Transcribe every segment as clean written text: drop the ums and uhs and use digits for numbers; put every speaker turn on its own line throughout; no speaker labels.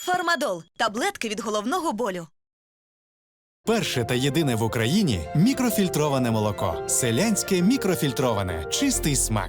Фармадол – таблетки від головного болю.
Перше та єдине в Україні мікрофільтроване молоко. Селянське мікрофільтроване. Чистий смак.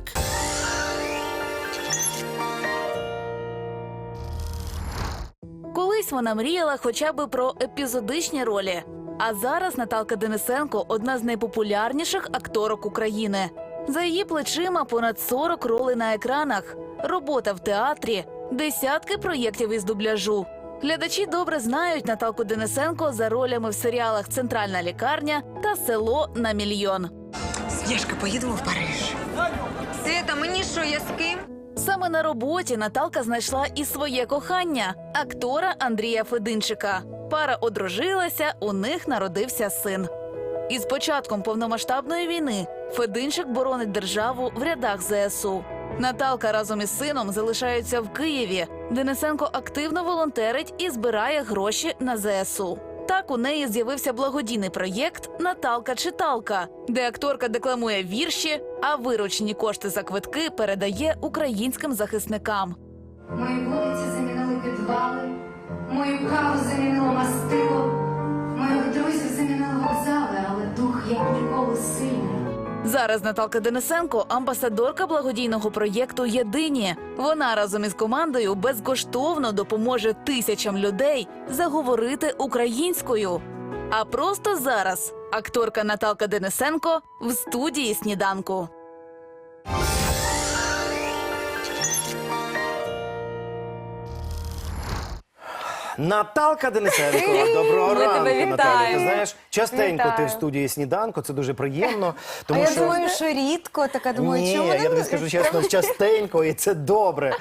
Колись вона мріяла хоча б про епізодичні ролі. А зараз Наталка Денисенко – одна з найпопулярніших акторок України. За її плечима понад 40 ролей на екранах, робота в театрі, десятки проєктів із дубляжу. Глядачі добре знають Наталку Денисенко за ролями в серіалах «Центральна лікарня» та «Село на мільйон».
Сніжка, поїдемо в Париж. Свята, мені що, я з ким?
Саме на роботі Наталка знайшла і своє кохання – актора Андрія Фединчика. Пара одружилася, у них народився син. Із початком повномасштабної війни Фединчик боронить державу в рядах ЗСУ. Наталка разом із сином залишаються в Києві. Денисенко активно волонтерить і збирає гроші на ЗСУ. Так у неї з'явився благодійний проєкт «Наталка-читалка», де акторка декламує вірші, а виручені кошти за квитки передає українським захисникам.
Мої вулиці замінили підвали, мою каву замінило мастило, моїх друзів замінили вокзали, але дух як ніколи сильний.
Зараз Наталка Денисенко – амбасадорка благодійного проєкту «Єдині». Вона разом із командою безкоштовно допоможе тисячам людей заговорити українською. А просто зараз акторка Наталка Денисенко в студії «Сніданку».
Наталка Денисенко, доброго ранку,
тебе
Наталя.
вітаємо.
Ти знаєш, частенько
Вітаю.
ти в студії «Сніданку», це дуже приємно. Тому
Я
що...
думаю, що рідко, така думаю,
Ні,
чому
я тобі скажу чесно, частенько, і це добре.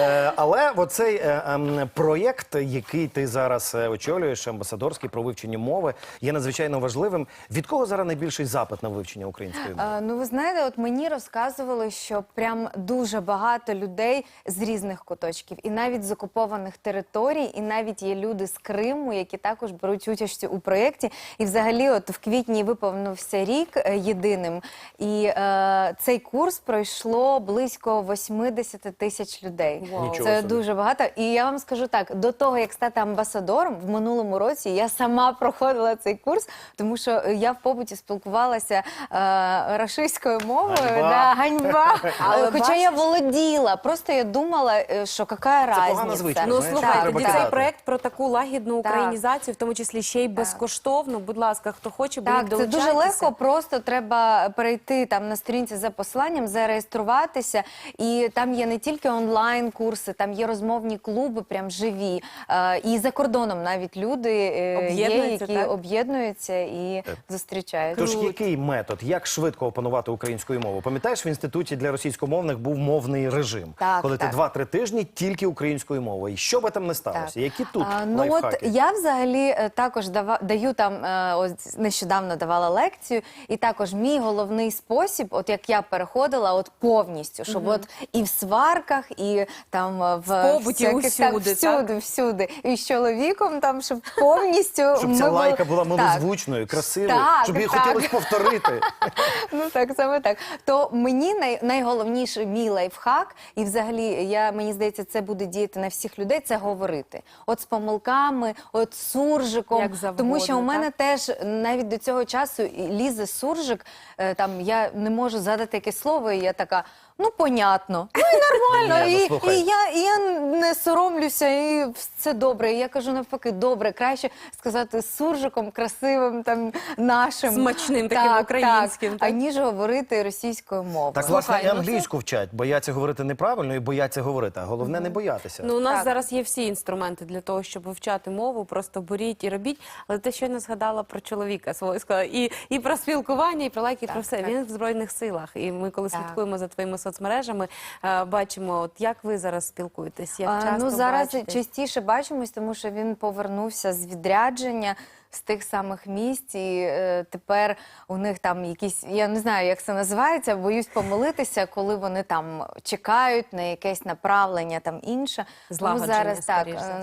Але оцей проєкт, який ти зараз очолюєш, амбасадорський про вивчення мови, є надзвичайно важливим. Від кого зараз найбільший запит на вивчення української мови?
Ну, ви знаєте, от мені розказували, що прям дуже багато людей з різних куточків, і навіть з окупованих територій, і навіть є люди з Криму, які також беруть участь у проєкті. І взагалі, от в квітні виповнився рік єдиним, і цей курс пройшло близько 80 тисяч людей. Це дуже багато. І я вам скажу так, до того, як стати амбасадором, в минулому році я сама проходила цей курс, тому що я в побуті спілкувалася рашистською мовою.
Ганьба.
Да, ганьба.
Але
Хоча я володіла, просто я думала, що яка
погана звичка,
разниця.
знаєш,
Слухайте,
треба
тоді
кидати.
цей проект про таку лагідну
Так.
українізацію, в тому числі ще й безкоштовно. Будь ласка, хто хоче,
Так,
будуть
це дуже
долучайтеся.
легко, просто треба перейти там на сторінці за посиланням, зареєструватися, і там є не тільки онлайн-курси, там є розмовні клуби, прям живі, і за кордоном навіть люди є,
Об'єднуються,
які
так?
об'єднуються і зустрічаються.
Тож який метод, як швидко опанувати українську мову? Пам'ятаєш, в інституті для російськомовних був мовний режим,
Так,
коли
так.
ти 2-3 тижні тільки українською мовою. І що би там не сталося?
Так.
Які тут
Ну от
лайфхаки?
я взагалі також даю там, ось нещодавно давала лекцію, і також мій головний спосіб, от як я переходила, от повністю, щоб от і в сварках, і там в
побуті,
всяких, так,
усюди,
всюди, і з чоловіком там, щоб повністю
Щоб
ми
ця
були-
лайка була
Так.
милозвучною, красивою,
Так,
щоб її
так.
хотілося повторити.
Ну так, саме так. То мені найголовніший мій лайфхак, і взагалі, мені здається, це буде діяти на всіх людей, це говорити. От з помилками, от з суржиком.
Як завгодно,
тому що у мене
так?
теж навіть до цього часу лізе суржик, там я не можу згадати якесь слово, і я така, ну, понятно. Ну, і нормально,
Ні, ну,
і
слухай.
я не соромлюся, і все добре. І я кажу навпаки, добре, краще сказати з суржиком, красивим, там, нашим.
Смачним таким українським, так?
Аніж говорити російською мовою.
Так, власне, і
Слухай, ну,
англійську вчать. Бояться говорити неправильно і бояться говорити. А головне не боятися.
Ну, у нас
Так.
зараз є всі інструменти для того, щоб вивчати мову, просто беріть і робіть. Але ти щойно згадала про чоловіка свого, сказала, і про спілкування, і про лайки, і про все.
так.
Він в Збройних силах. І ми, коли
Так.
слідкуємо за твоїми соцмережами, бачимо, от як ви зараз спілкуєтесь, як часто
Ну, зараз
бачитесь?
частіше бачимось, тому що він повернувся з відрядження, з тих самих місць, і тепер у них там якісь, я не знаю, як це називається, боюсь помилитися, коли вони там чекають на якесь направлення там інше.
Злагодження,
Тому зараз так,
скоріш за все.
тому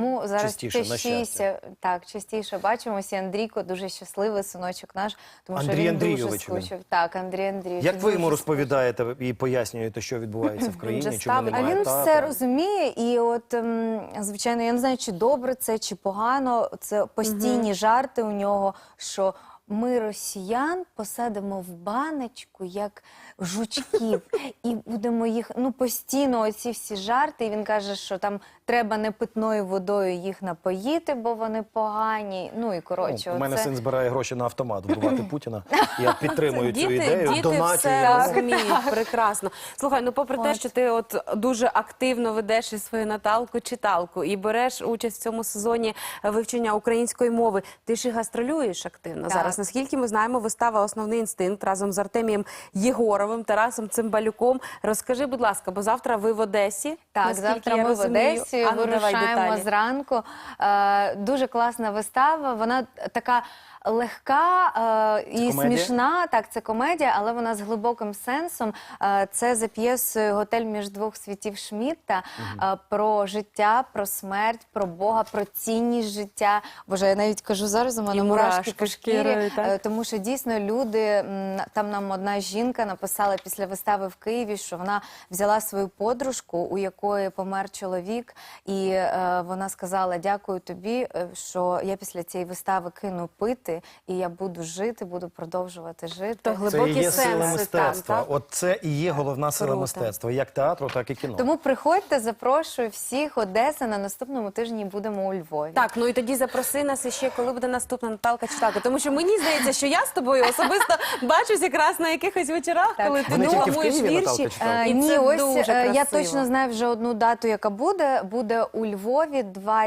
Тому зараз
Частіше, на щастя.
частіше бачимося. Андрійко дуже щасливий, синочок наш, тому що
Андрій
він
Андрійович
дуже скучив. Так, Андрій Андрійович.
Як ви йому
дуже
розповідаєте і пояснюєте, що відбувається в
же
країні, чому
ставить-
А
немає
він
тата?
все розуміє, і от звичайно, я не знаю, чи добре це, чи погано. Це постійні жарти у нього, що ми росіян посадимо в баночку як жучків, і будемо їх постійно оці всі жарти. І він каже, що там треба не питною водою їх напоїти, бо вони погані. Ну і коротше,
У мене
оце-
син збирає гроші на автомат вбивати Путіна. Я підтримую цю ідею,
Діти
доначу
все
йому.
розуміють прекрасно. Слухай, ну попри те, що ти от дуже активно ведеш і свою Наталку-читалку і береш участь в цьому сезоні вивчення української мови, ти ж і гастролюєш активно
Так.
зараз. Наскільки ми знаємо, вистава «Основний інстинкт» разом з Артемієм Єгоровим, Тарасом Цимбалюком. Розкажи, будь ласка, бо завтра ви в Одесі.
Так,
наскільки
завтра
я
ми в
розумію.
Одесі
А ну, давай
вирушаємо
деталі.
зранку. Дуже класна вистава. Вона така легка і
комедія?
смішна. Так, це комедія, але вона з глибоким сенсом. Це за п'єсою «Готель між двох світів» Шмідта про життя, про смерть, про Бога, про цінність життя. Боже, я навіть кажу зараз, у мене
І
мурашки
мурашки
по шкірі,
шкірою, так?
тому що дійсно люди, там нам одна жінка написала після вистави в Києві, що вона взяла свою подружку, у якої помер чоловік, і вона сказала: дякую тобі, що я після цієї вистави кину пити, і я буду жити, буду продовжувати жити.
То
Це і
глибокі
є сила
сенси
мистецтва.
там, так?
От це і є головна сила
Круто.
мистецтва, як театру, так і кіно.
Тому приходьте, запрошую всіх. Одеса, на наступному тижні будемо у Львові.
Так, ну і тоді запроси нас іще, коли буде наступна Наталка-читалка. Тому що мені здається, що я з тобою особисто бачусь якраз на якихось вечорах,
Так.
коли ти
Вони тільки в
думаєш
Києві,
вірші.
Наталка-читалка?
І
Ні,
це
ось
дуже
я
красиво.
точно знаю вже одну дату, яка буде. Буде у Львові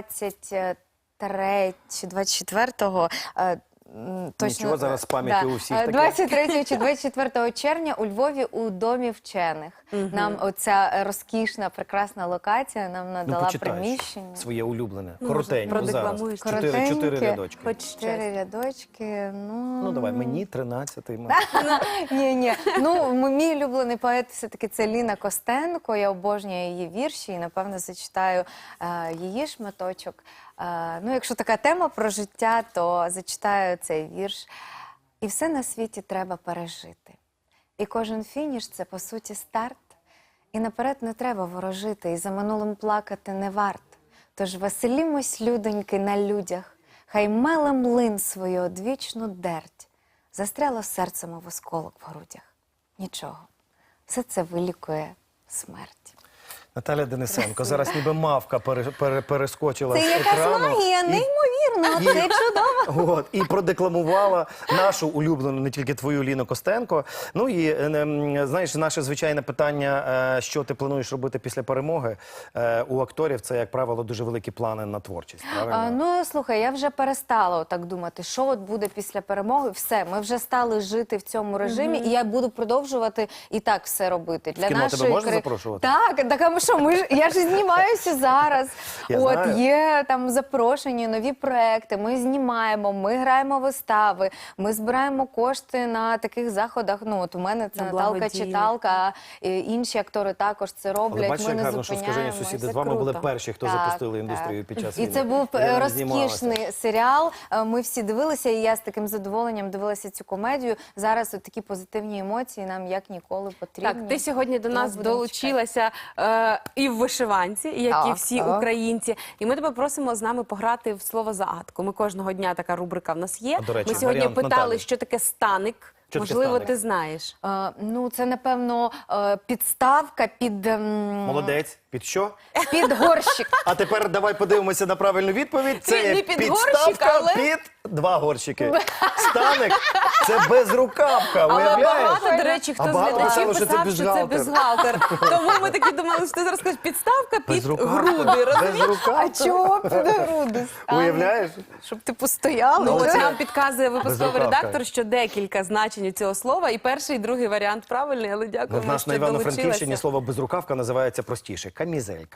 23 чи 24-го. Точно,
Нічого, зараз з пам'яттю у всіх таке.
23 чи 24 червня у Львові у Домі вчених. Нам оця розкішна, прекрасна локація нам надала
почитай
приміщення.
своє улюблене,
Ну,
коротенько зараз.
продекламуєш.
Чотири
Коротеньке.
рядочки.
Хоч щось.
4 рядочки.
Ну давай, мені 13-й.
Ні. Ну, мій улюблений поет все-таки це Ліна Костенко. Я обожнюю її вірші і, напевно, зачитаю її шматочок. Ну, якщо така тема про життя, то зачитаю цей вірш. І все на світі треба пережити. І кожен фініш – це, по суті, старт. І наперед не треба ворожити, і за минулим плакати не варт. Тож веселімось, людоньки, на людях, хай меле млин свою одвічну дерть. Застряло серцем в осколок в грудях. Нічого. Все це вилікує смерть.
Наталя Денисенко, зараз ніби мавка перескочила
Це
з
якась
екрану.
магія, неймовірно, це чудово.
От, і продекламувала нашу улюблену, не тільки твою, Ліну Костенко. Ну і, знаєш, наше звичайне питання, що ти плануєш робити після перемоги, у акторів це, як правило, дуже великі плани на творчість, правильно?
Ну, слухай, я вже перестала так думати, що от буде після перемоги. Все, ми вже стали жити в цьому режимі, і я буду продовжувати і так все робити. Для
кіно тебе можна запрошувати?
Так, а що, я ж знімаюся зараз.
Я
От,
знаю.
є там запрошені нові проекти, ми знімаємо, ми граємо вистави, ми збираємо кошти на таких заходах. Ну, от у мене це
На
Наталка-читалка, а інші актори також це роблять.
Але бачиш,
ми
як
не
гарно, що «Скажені
зупиняємось.
сусіди»
Це
з вами були
круто.
перші, хто
Так,
запустили
так.
індустрію під час
І
війни.
це був
Я не знімалася.
розкішний серіал. Ми всі дивилися, і я з таким задоволенням дивилася цю комедію. Зараз от такі позитивні емоції нам як ніколи потрібні.
Так, ти сьогодні до
Тому
нас
будемо
долучилася і в вишиванці, як і
Так,
всі
так.
українці. І ми тебе просимо з нами пограти в слово-загадку. Ми кожного дня, така рубрика в нас є.
А, до речі,
Ми сьогодні
варіант
питали,
Наталі.
що таке станик.
Що таке
Можливо,
станик?
ти знаєш.
Ну, це, напевно, підставка під,
Молодець. Під що?
під горщик.
А тепер давай подивимося на правильну відповідь. Це
Не
є
під горщик,
підставка
але-
під 2 горщики. Станик – це безрукавка,
Але
уявляєш?
багато, до речі, хто
А
з
багато
глядачів
писало, що це
писав, що це
бюстгальтер.
бюстгальтер. Тому ми такі думали, що ти зараз скажеш підставка під
Безрукавка.
груди. розумієш?
Безрукавка.
А чого під груди?
Уявляєш?
Щоб ти постояла.
Ну, от
це-
нам підказує випусковий
Безрукавка.
редактор, що декілька значень у цього слова. І перший, і другий варіант правильний, але
Ну,
дякуємо,
в нас
що
на Івано-Франківщині
долучилася.
слово безрукавка називається простіше – камізелька.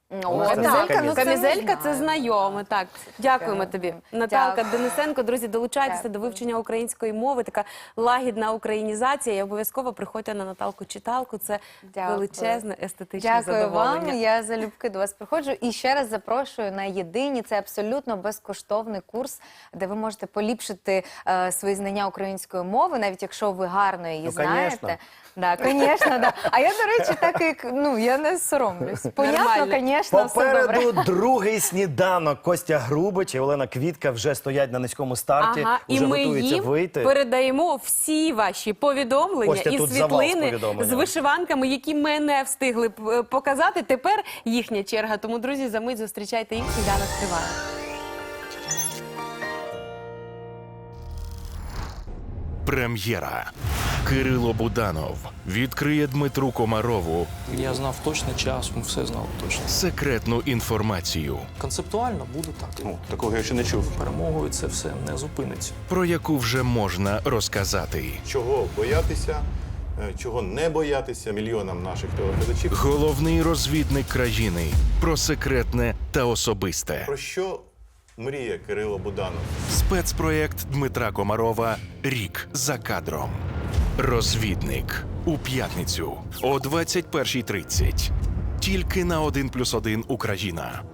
Камізелька, ну, це
Камізелька
ми
це
знаємо.
знайоме. Так, дякуємо
Дякую.
тобі. Наталка
Дякую.
Денисенко, друзі, долучайтеся
Дякую.
до вивчення української мови. Така лагідна українізація. І обов'язково приходьте на Наталку читалку. Це
Дякую.
величезне естетичне
Дякую
задоволення.
вам. Я залюбки до вас приходжу. І ще раз запрошую на єдині. Це абсолютно безкоштовний курс, де ви можете поліпшити свої знання української мови, навіть якщо ви гарно її
Ну,
знаєте.
конечно.
Да, звісно, да. А я, до речі, так як я не соромлюсь. Понятно,
Нормально.
звісно, все добре.
Попереду другий сніданок. Костя Грубич і Олена Квітка вже стоять на низькому старті,
Ага, і
вже
ми
готуються
їм
вийти.
передаємо всі ваші повідомлення
Костя,
і
тут завал з
світлини з
повідомленнями.
вишиванками, які ми не встигли показати. Тепер їхня черга. Тому, друзі, за мить зустрічайте їх. Сніданок триває.
Прем'єра. Кирило Буданов відкриє Дмитру Комарову
Я знав точно час, ми все знали точно.
секретну інформацію,
Концептуально буде так.
Ну, такого я ще не чув.
Перемогою це все не зупиниться.
про яку вже можна розказати.
Чого боятися, чого не боятися мільйонам наших телеглядачів.
Головний розвідник країни про секретне та особисте.
Про що мріє Кирило Буданов?
Спецпроєкт Дмитра Комарова «Рік за кадром». Розвідник у п'ятницю о 21:30. Тільки на 1+1 Україна.